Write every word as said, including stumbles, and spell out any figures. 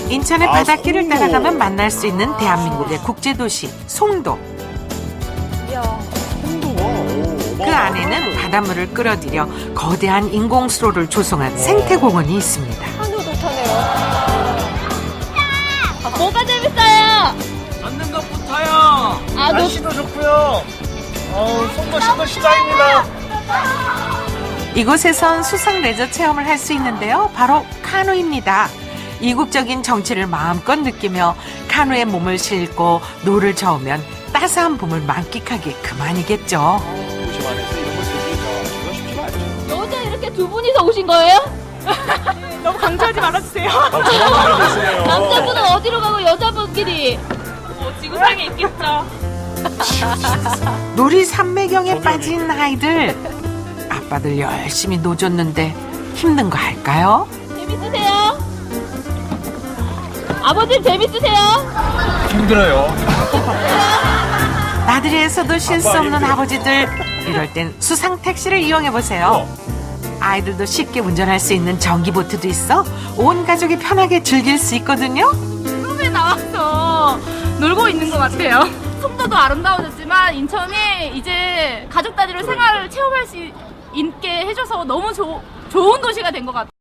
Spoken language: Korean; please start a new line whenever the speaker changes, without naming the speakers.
인천의
아,
바닷길을
송도.
따라가면 만날 수 있는 대한민국의 국제도시 송도.
송도가 오,
그 안에는 바닷물을 끌어들여 거대한 인공수로를 조성한 생태공원이 있습니다.
한우 좋다네요.
뭐가 재밌어요?
걷는 것부터요.
아, 너
날씨도 좋고요. 어우, 송도 신도 시장입니다.
이곳에선 수상 레저 체험을 할 수 있는데요. 바로 카누입니다. 이국적인 정취를 마음껏 느끼며 카누에 몸을 싣고 노를 저으면 따스한 봄을 만끽하기 그만이겠죠.
도심 안에서 이런 걸 즐기기가 이거 쉽지가 않죠.
여자 이렇게 두 분이서 오신 거예요?
너무 강조하지 말아주세요.
아, 저런 분이 계세요.
남자분은 어디로 가고 여자분끼리
뭐 지구상에 있겠죠.
놀이 삼매경에 빠진 아이들. 아빠들 열심히 노줬는데 힘든 거 할까요?
재밌으세요? 아버님 재밌으세요?
힘들어요.
나들이에서도 쉴 수 없는 아버지들. 이럴 땐 수상 택시를 이용해 보세요. 아이들도 쉽게 운전할 수 있는 전기보트도 있어 온 가족이 편하게 즐길 수 있거든요.
꿈에 나와서 놀고 있는 것 같아요. 송도도 아름다워졌지만 인천이 이제 가족 단위로 생활을 체험할 수 있게 해줘서 너무 조, 좋은 도시가 된 것 같아요.